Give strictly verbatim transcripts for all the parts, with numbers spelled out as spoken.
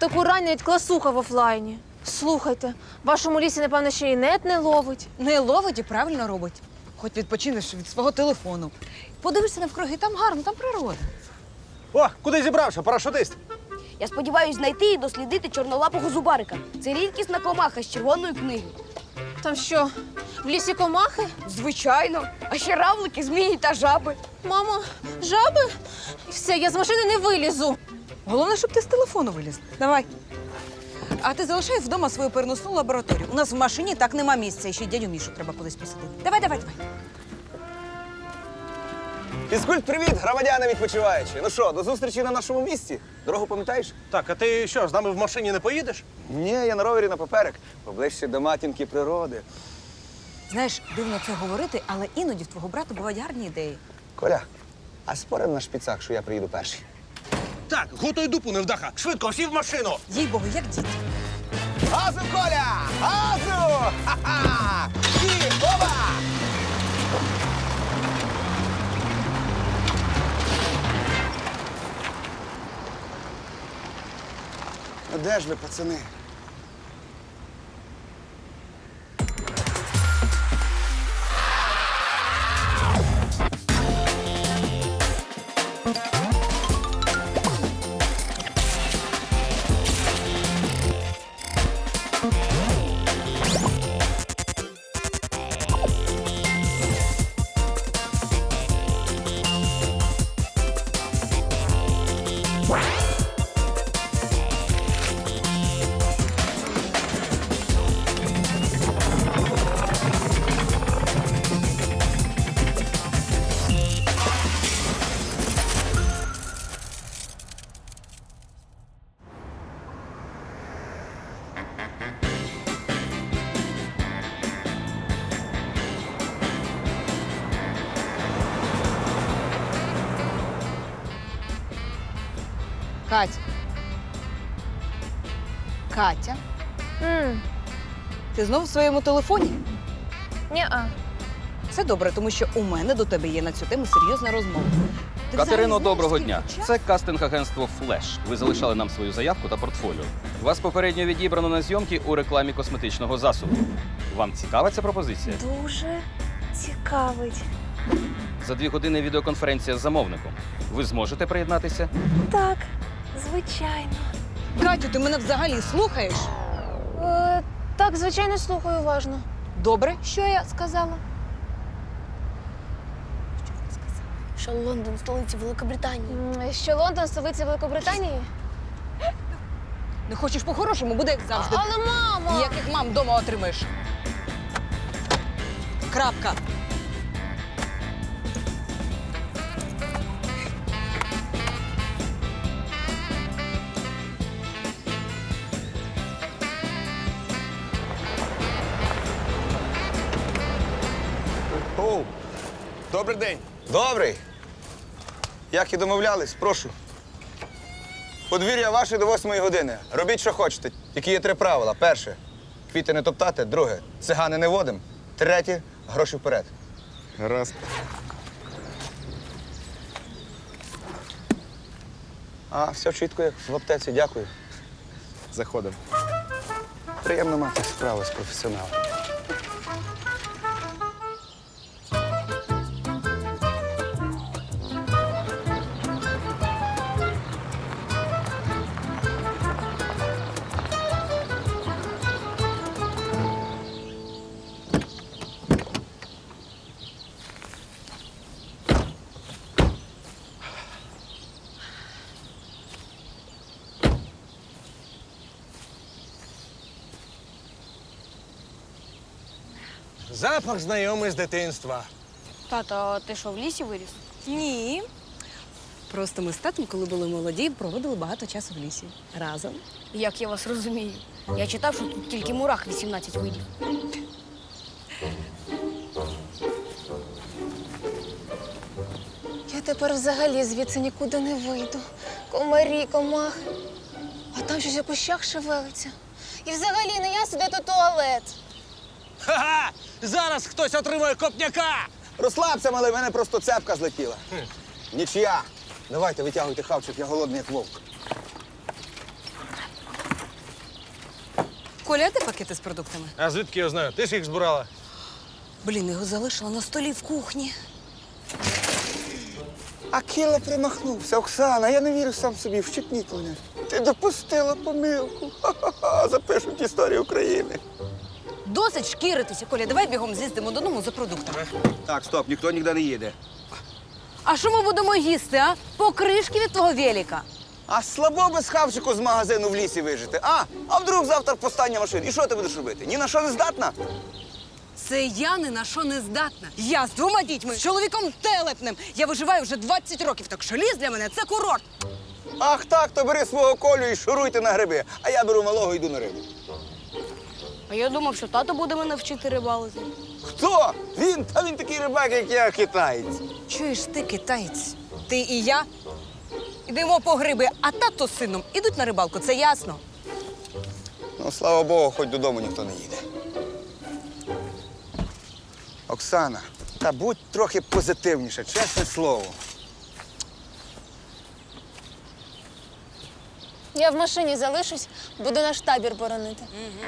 таку рань навіть класуха в офлайні. Слухайте, в вашому лісі, напевно, ще й нет не ловить. Не ловить і правильно робить. Хоч відпочинеш від свого телефону. Подивишся навкруги, там гарно, там природа. О, куди зібрався, парашутист? Я сподіваюся знайти і дослідити чорнолапого зубарика. Це рідкісна комаха з червоної книги. Там що, в лісі комахи? Звичайно. А ще равлики, змії та жаби. Мамо, жаби? Все, я з машини не вилізу. Головне, щоб ти з телефону виліз. Давай. А ти залишай вдома свою переносну лабораторію. У нас в машині так нема місця, і ще й дядю Мішу треба кудись посадити. Давай, давай, давай. Фізкульт, привіт, громадяни відпочиваючі. Ну що, до зустрічі на нашому місці? Дорогу пам'ятаєш? Так, а ти що, з нами в машині не поїдеш? Ні, я на ровері на поперек. Поближче до матінки природи. Знаєш, дивно це говорити, але іноді в твого брата бувають гарні ідеї. Коля, а спорим на шпицах, що я приїду перший? Так, готуй дупу, невдаха. Швидко, всі в машину. Їй Богу, як діти. Газу, Коля! Газу! Ха-ха! І оба! Ну де ж ви, пацани? Катя. Катя, Мм, ти знову в своєму телефоні? ні-а. Це добре, тому що у мене до тебе є на цю тему серйозна розмова. Ти Катерино, взагалі знаєш, доброго скільки дня. часу? Це кастинг-агентство «Флеш». Ви залишали нам свою заявку та портфоліо. Вас попередньо відібрано на зйомки у рекламі косметичного засобу. Вам цікава ця пропозиція? Дуже цікавить. За дві години відеоконференція з замовником. Ви зможете приєднатися? Так, звичайно. Катю, ти мене взагалі слухаєш? Е, так, звичайно, слухаю уважно. Добре, що я сказала? Що Лондон, столиця Великобританії. М, Що Лондон, столиця Великобританії? Не хочеш по-хорошому, буде як завжди. Але, мамо! Ніяких мам вдома отримаєш. Крапка. Оу, добрий день. Добрий. Як і домовлялись, прошу. Подвір'я ваше до восьмої години. Робіть, що хочете. Тільки є три правила. Перше – квіти не топтати. Друге – цигани не водим. Третє – гроші вперед. Гаразд. А, все чітко, як в аптеці. Дякую. Заходимо. Приємно мати справу з професіоналом. Запах знайомий з дитинства. Тато, а ти що, в лісі виріс? Ні. Просто ми з татом, коли були молоді, проводили багато часу в лісі. Разом. Як я вас розумію? Я читав, що тут тільки мурах вісімнадцять видів. Я тепер взагалі звідси нікуди не вийду. Комарі, комахи. А там щось у кущах шевелиться. І взагалі не я сюди до туалет. Ха-ха! Зараз хтось отримає копняка! Розслабся, малий, в мене просто цепка злетіла. Нічия. Давайте, витягуйте хавчик, я голодний, як вовк. Коля, а де пакети з продуктами? А звідки я знаю? Ти ж їх збирала. Блін, його залишила на столі в кухні. Акіла примахнувся. Оксана, я не вірю сам собі, вщипніть мене. Ти допустила помилку. Ха-ха-ха, запишуть історію України. Досить шкіритися, Коля, давай бігом з'їздимо додому за продуктами. Так, стоп, ніхто ніде не їде. А що ми будемо їсти, а? Покришки від твого велика. А слабо без хавчику з магазину в лісі вижити. А? А вдруг завтра повстання машин? І що ти будеш робити? Ні на що не здатна? Це я ні на що не здатна. Я з двома дітьми, з чоловіком телепним. Я виживаю вже двадцять років, так що ліс для мене це курорт. Ах так, то бери свого Колю і шуруйте на гриби. А я беру малого і йду на рибу. А я думав, що тато буде мене вчити рибалити. Хто? Він? Та він такий рибак, як я, китаєць. Чуєш ти, китаєць? Ти і я йдемо по гриби, а тато з сином ідуть на рибалку, це ясно. Ну, слава Богу, хоч додому ніхто не їде. Оксана, та будь трохи позитивніша, чесне слово. Я в машині залишусь, буду наш табір боронити.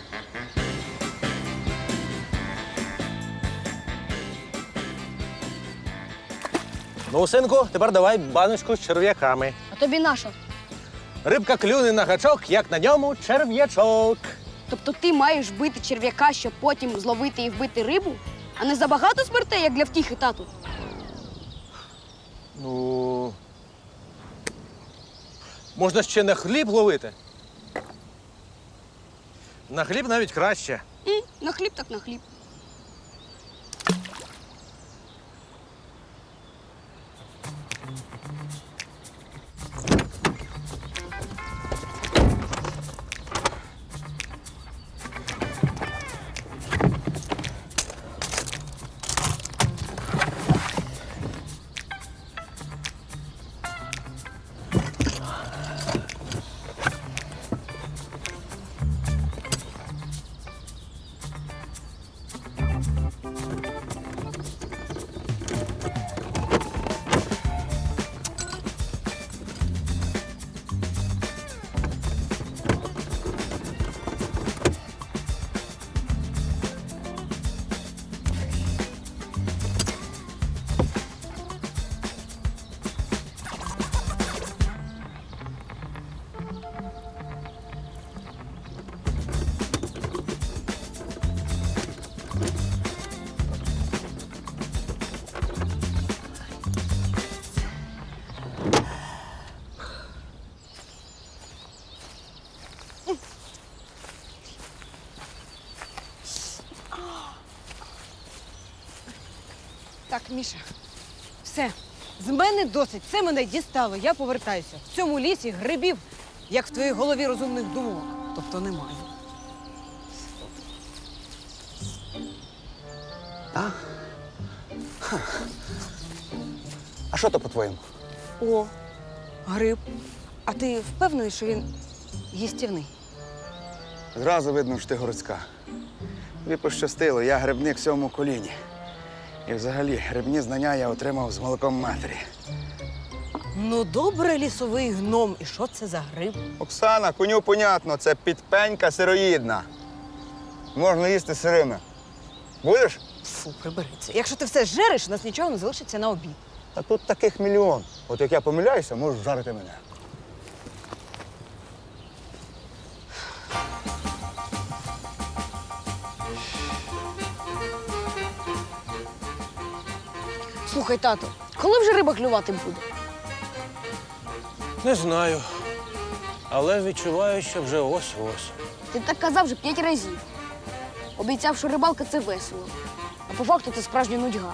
Ну, синку, тепер давай баночку з черв'яками. А тобі наша. Рибка клюне на гачок, як на ньому черв'ячок. Тобто ти маєш бити черв'яка, щоб потім зловити і вбити рибу? А не забагато смертей, як для втіхи, тату? Ну. Можна ще на хліб ловити. На хліб навіть краще. М, на хліб так на хліб. Так, Міша, все. З мене досить. Це мене дістало. Я повертаюся. В цьому лісі грибів, як в твоїй голові розумних думок. Тобто немає. А що то по-твоєму? О, гриб. А ти впевнений, що він їстівний? Зразу видно, що ти городська. Тобі пощастило, я грибник в сьомому коліні. І взагалі грибні знання я отримав з молоком матері. Ну, добре, лісовий гном. І що це за гриб? Оксана, коню понятно, це підпенька сироїдна. Можна їсти сирими. Будеш? Фу, прибери це. Якщо ти все жереш, у нас нічого не залишиться на обід. Та тут таких мільйон. От як я помиляюся, можеш жарити мене. Слухай, тато, коли вже риба клювати буде? Не знаю. Але відчуваю, що вже ось-ось. Ти так казав вже п'ять разів. Обіцяв, що рибалка це весело. А по факту це справжня нудьга.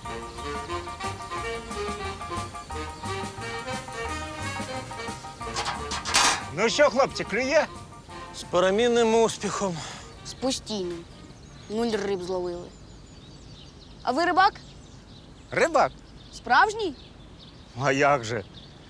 Ну що, хлопці, клює? З перемінним успіхом. З постійним. Нуль риб зловили. А ви рибак? Рибак. Справжній? А як же?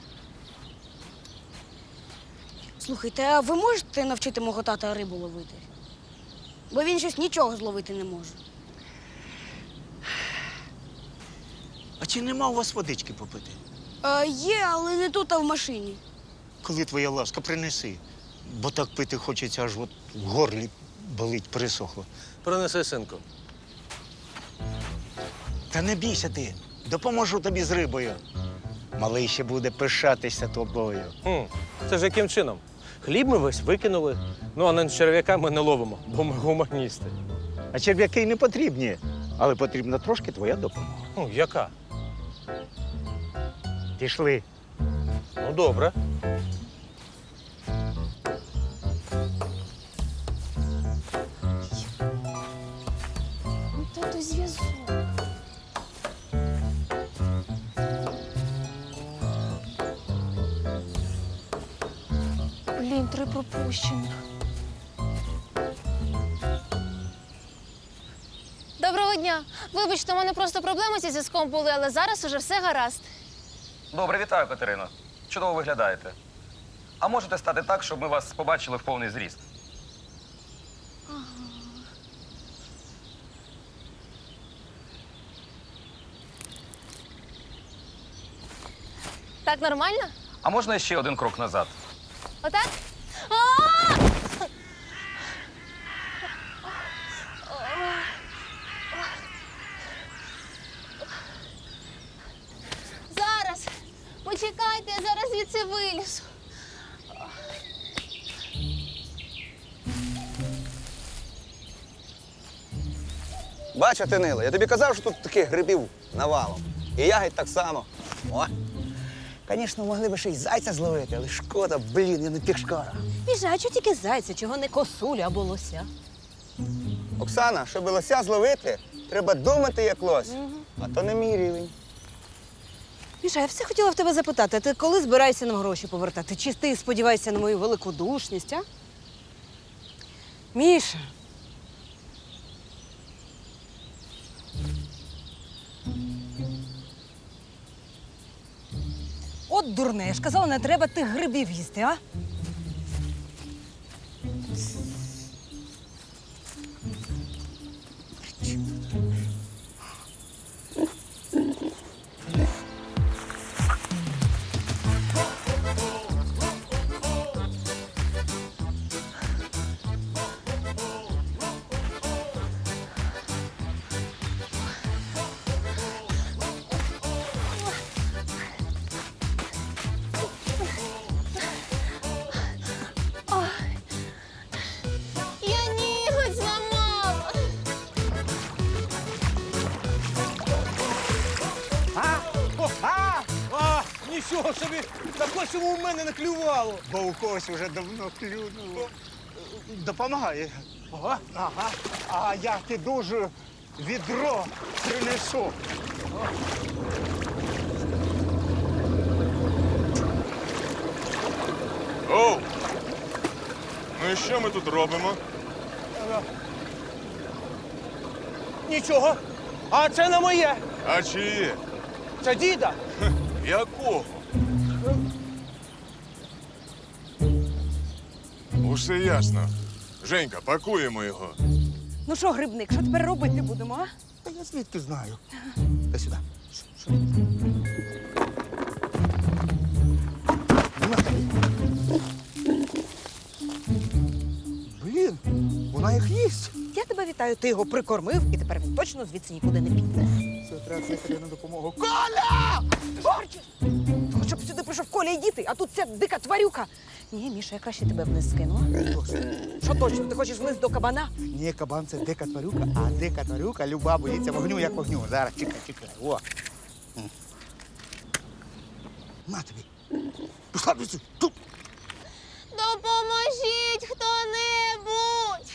Слухайте, а ви можете навчити мого тата рибу ловити? Бо він щось нічого зловити не може. А чи нема у вас водички попити? А, є, але не тут, а в машині. Коли твоя ласка, принеси. Бо так пити хочеться аж от в горлі болить, пересохло. Принеси, синку. Та не бійся ти, допоможу тобі з рибою. Малий ще буде пишатися тобою. Хм, це ж яким чином? Хліб ми весь викинули, ну а на черв'яка ми не ловимо, бо ми гуманісти. А черв'яки й не потрібні, але потрібна трошки твоя допомога. Ну, яка? Пішли. Ну, добре. Ну, тату, зв'язок. Блін, три пропущених. Доброго дня. Вибачте, у мене просто проблеми зі зв'язком були, але зараз уже все гаразд. Добре, вітаю, Катерино. Чудово виглядаєте. А можете стати так, щоб ми вас побачили в повний зріст? Так нормально? А можна ще один крок назад? Отак? А! Зараз. Почекайте, я зараз звідси вилізу. Бачу, ти Нила, я тобі казав, що тут таких грибів навалом. І ягідь так само. О! Звісно, могли б ще й зайця зловити, але шкода, блін, я не пішкара. Біжа, а чого тільки зайця, чого не косулю або лося? Оксана, щоб лося зловити, треба думати як лось. А то не мій рівень. Міша, я все хотіла в тебе запитати, а ти коли збираєшся нам гроші повертати? Чи ти сподіваєшся на мою великодушність, а? Міша. От дурне, я ж казала, не треба тих грибів їсти, а? Я ніготь зламала. А, нічого собі, так ось йому в мене не клювало. Бо у когось уже давно клюнуло. Допомагає. Ага. Ага. А я ти дуже відро принесу. Оу! Ну і що ми тут робимо? Нічого. А це не моє. А чиє? Це діда. Якого? Усе ясно. Женька, пакуємо його. Ну що, грибник, що тепер робити будемо, а? Та я звідки знаю. Та сюди. Блін, вона їх їсть. Я тебе вітаю, ти його прикормив, і тепер він точно звідси нікуди не піде. Це треба кликати на допомогу. Арчі! Ну, щоб сюди прийшов Коля і діти, а тут ця дика тварюка. Ні, Міша, я краще тебе вниз скину. а? Що точно, ти хочеш вниз до кабана? Ні, кабан це дика тварюка, а дика тварюка люба боїться вогню, як вогню. Зараз чекай, чекай. О. М. На тобі. Пішла звідси. Тут. Допоможіть хто-небудь.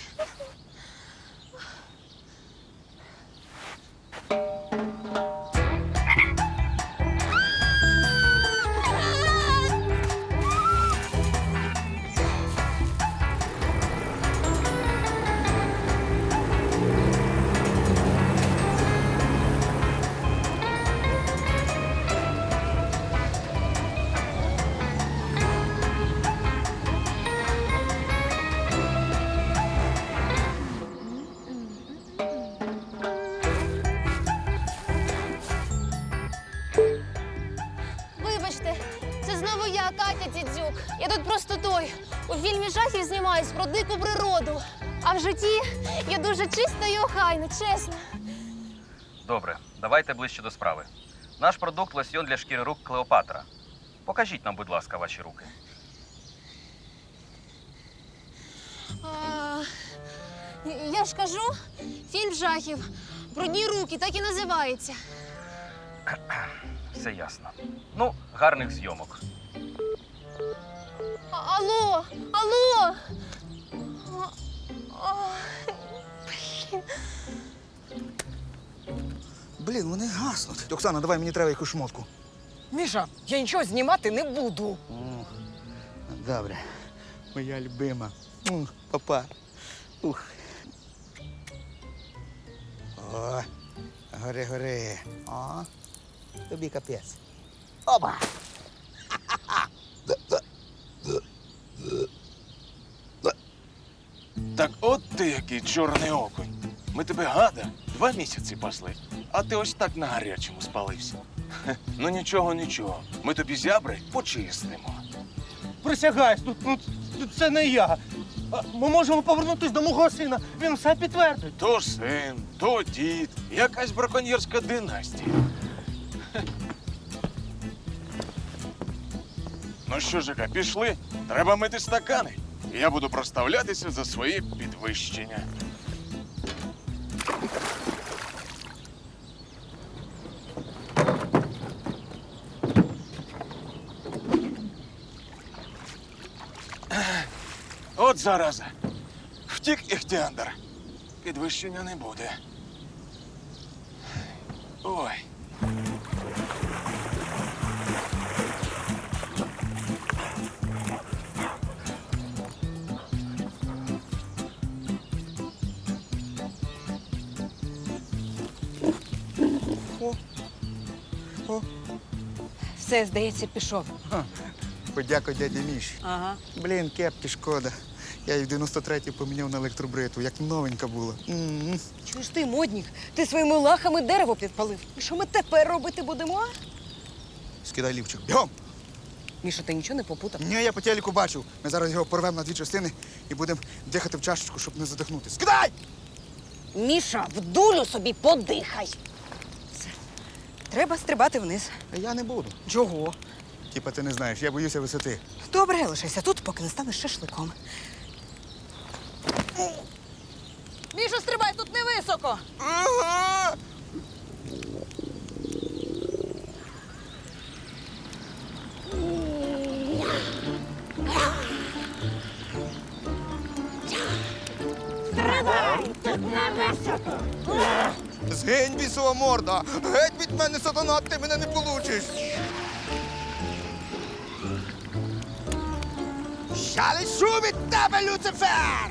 Вибачте, це знову я, Катя Дідзюк. Я тут просто той. У фільмі жахів знімаюсь про дику природу. А в житті я дуже чиста і охайна, чесно. Добре, давайте ближче до справи. Наш продукт лосьйон для шкіри рук Клеопатра. Покажіть нам, будь ласка, ваші руки. А, я ж кажу, фільм жахів. Брудні руки, так і називається. Все ясно. Ну, гарних зйомок. А, алло, алло. А, а, блін. Блін, вони гаснуть. Оксана, давай мені треба якусь шмотку. Міша, я нічого знімати не буду. Добре. Моя любима. Ух, папа. Ух. О, гори, гори. О, тобі капець. Опа! Так от ти який чорний окунь. Ми тебе, гада, два місяці пасли, а ти ось так на гарячому спалився. Хе, ну нічого, нічого. Ми тобі зябри почистимо. Присягаюсь, ну, ну, це не я. А Ми можемо повернутися до мого сина, він все підтвердить. То син, то дід, якась браконьєрська династія. Хе. Ну що, Жека, пішли? Треба мити стакани. І я буду проставлятися за свої підвищення. От зараза. Втік Іхтіандр. Підвищення не буде. Ой. Все, здається, пішов. Подякуй дяді Міші. Ага. Блін, кепки шкода. Я її в дев'яносто третій поміняв на електробритву, як новенька була. М-м. Чуєш ти, моднік? Ти своїми лахами дерево підпалив. І що ми тепер робити будемо? а? Скидай лівчик. Бігом! Міша, ти нічого не попутав? Ні, я по телеку бачив. Ми зараз його порвемо на дві частини і будемо дихати в чашечку, щоб не задихнути. Скидай! Міша, в дулю собі подихай. Все. Треба стрибати вниз. А я не буду. Чого? Типа ти не знаєш, я боюся висоти. Добре, лишайся тут, поки не станеш шашликом. Міша, стрибай, тут не високо. Ага! Згинь, бісова морда! Геть від мене, сатана, ти мене не получиш! Я лишу від тебе, Люцифер!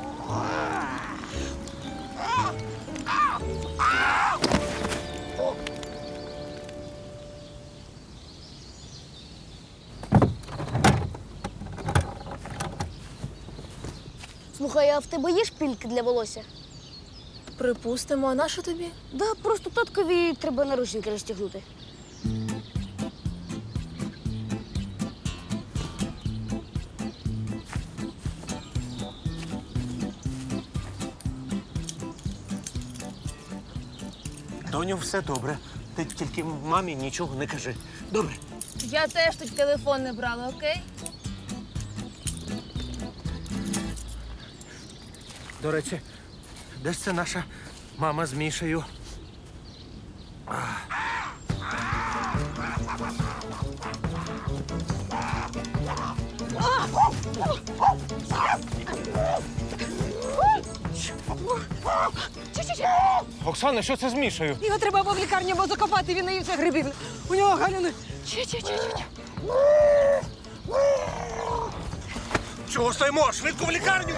Слухай, а в тебе є шпильки для волосся? Припустимо, а на що тобі? Да, просто таткові треба наручники розтягнути. Доню, все добре. Ти тільки мамі нічого не кажи. Добре? Я теж тут телефон не брала, окей? До речі, де ж це наша мама з Мішею? Оксана, що це з Мішею? Його треба або в лікарню, або закопати, він наївся грибів. У нього галюни. Чого стоїмо? Швидко в лікарню!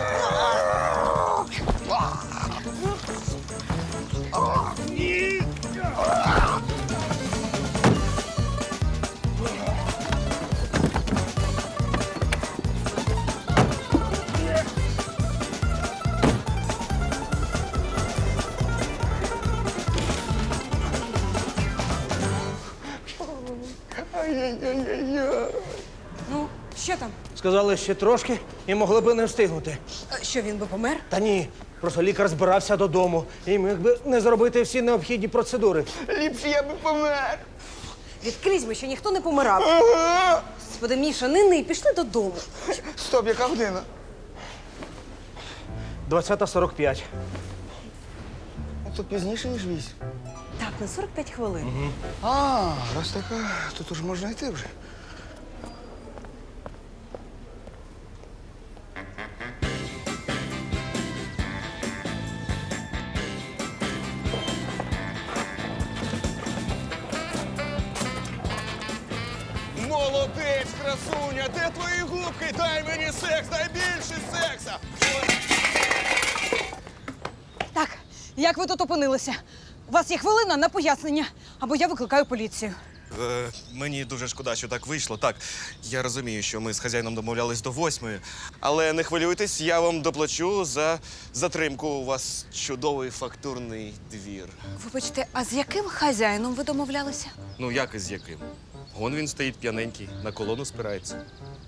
Ну, що там? Сказали ще трошки і могли би не встигнути. Що що він би помер? Та ні, просто лікар збирався додому і міг би не зробити всі необхідні процедури. Ліпше я би помер. Відкрізь ми, що ніхто не помирав. Господи, Міша, не ний, пішли додому. Стоп, яка година? двадцята сорок п'ять. Ну, тут пізніше, ніж вісім. Так, на сорок п'ять хвилин. А, раз така, то тут ж можна йти вже. Молодець, красуня, де твої губки? Дай мені секс, дай більше секса. Так, як ви тут опинилися? У вас є хвилина на пояснення, або я викликаю поліцію. Е, мені дуже шкода, що так вийшло. Так, я розумію, що ми з хазяїном домовлялись до восьмої, але не хвилюйтесь, я вам доплачу за затримку. У вас чудовий фактурний двір. Вибачте, а з яким хазяїном ви домовлялися? Ну, як і з яким? Вон він стоїть п'яненький, на колону спирається.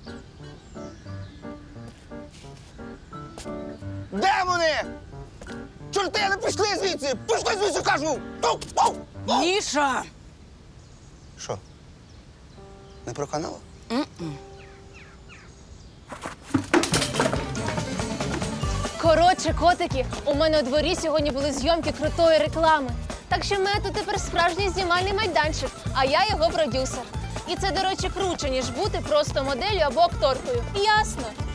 Де вони? Чорти, не пішли звідси! Пішли звідси, кажу! Пау, пау, пау. Міша! Що? Не проканало? Коротше, котики, у мене у дворі сьогодні були зйомки крутої реклами. Так що в мене тут тепер справжній знімальний майданчик, а я його продюсер. І це, до речі, круче, ніж бути просто моделлю або акторкою. Ясно?